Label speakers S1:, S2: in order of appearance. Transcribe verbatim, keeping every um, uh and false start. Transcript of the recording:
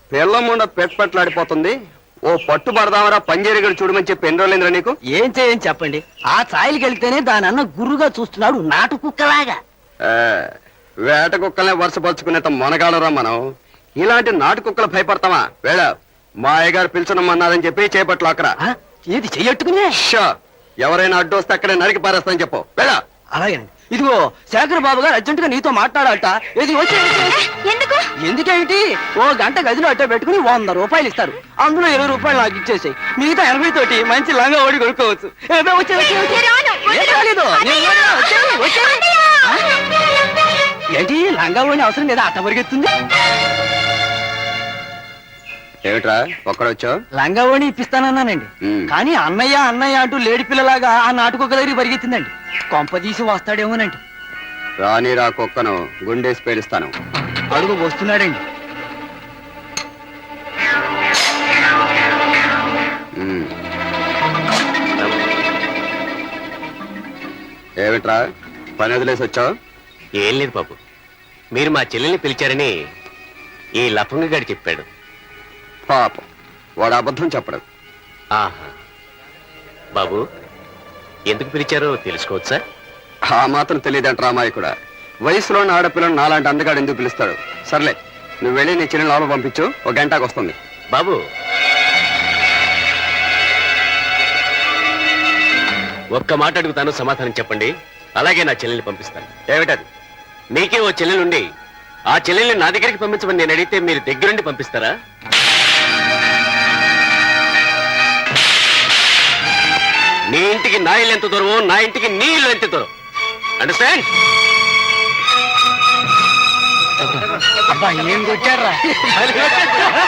S1: పిల్లముండ పెట్పట్లాడిపోతుంది. ఓ పట్టు పడదామరా పంజేరిగడు చూడమని చెప్పి ఎన్ని రోజులైందిరా నీకు?
S2: ఏం చేయని చెప్పండి. ఆ ఛాయలకి వెళ్తేనే దాని అన్న గుర్రుగా చూస్తున్నాడు నాటు కుక్కలాగా.
S1: ఆ, వేట కుక్కలనే వరుసపరుచుకునేంత మొనగాడరా మనం. ఇలాంటి నాటు కుక్కలు భయపడతామా? వేళ మా అయ్యగారు పిలుచునమ్మన్నారని చెప్పి చేపట్లు అక్కడ
S2: ఆ, ఏది చెయ్యట్టుకునే.
S1: ఎవరైనా అడ్డు వస్తే అక్కడే నరికి పారేస్తానని చెప్పు. వేళ
S2: అలాగేనండి. ఇదిగో శేఖర్ బాబు గారు అర్జెంట్ గా నీతో మాట్లాడాలట. ఏది వచ్చే
S3: ఎందుకు?
S2: ఎందుకేమిటి, ఓ గంట గదిలో అట్టే పెట్టుకుని వంద రూపాయలు ఇస్తారు. అందులో ఇరవై రూపాయలు నాకు ఇచ్చేసాయి. మిగతా ఎనభై తోటి మంచి లంగా ఓడి కొనుక్కోవచ్చు. ఏదో వచ్చే వచ్చే వచ్చే. ఏం కాలేదు. నేను రాను. వచ్చేయ్, వచ్చేయ్. ఆ? ఏంటి లంగా ఓడి అవసరం లేదా? అట్ట పరిగెత్తుంది.
S1: ఏమిట్రా ఒక్కడొచ్చావు?
S2: లంగా ఓడి ఇప్పిస్తానన్నానండి. కానీ అన్నయ్య అన్నయ్య అంటూ లేడి పిల్లలాగా ఆ నాటుకొక్క దగ్గర పరిగెత్తిందండి. కొంప తీసి వస్తాడేమోనండి.
S1: రాని రా కుక్కను గుండేసి పేలుస్తాను.
S2: అడుగు వస్తున్నాడండి.
S1: ఉమ్. ఏమిట్రా పని వదిలేసి వచ్చావు?
S4: ఏం లేదు బాబు, మీరు మా చెల్లెల్ని పిలిచారని ఈ లఫంగ గారు చెప్పాడు.
S1: పాపం వాడు అబద్ధం చెప్పడు.
S4: ఆహా, బాబు ఎందుకు పిలిచారో తెలుసుకోవచ్చా?
S1: ఆ మాత్రం తెలియదంట రామాయి కూడా. వయసులోని ఆడపిల్లను నాలాంటి అందగాడు ఎందుకు పిలుస్తాడు? సర్లే, నువ్వు వెళ్ళి నీ చిన్న లోపల పంపించు. ఒక గంటకు వస్తుంది.
S4: బాబు ఒక్క మాట అడుగుతాను, సమాధానం చెప్పండి. అలాగే నా చెల్లెల్ని పంపిస్తాను.
S1: ఏమిటది?
S4: మీకే ఓ చెల్లెలుండి ఆ చెల్లెల్ని నా దగ్గరికి పంపించమని నేను అడిగితే మీరు దగ్గరుండి పంపిస్తారా? నీ ఇంటికి నా ఇల్లు ఎంత దూరమో నా ఇంటికి నీ ఇల్లు ఎంత దూరం. అండర్స్టాండ్?
S2: అబ్బా ఏం కొట్టారా?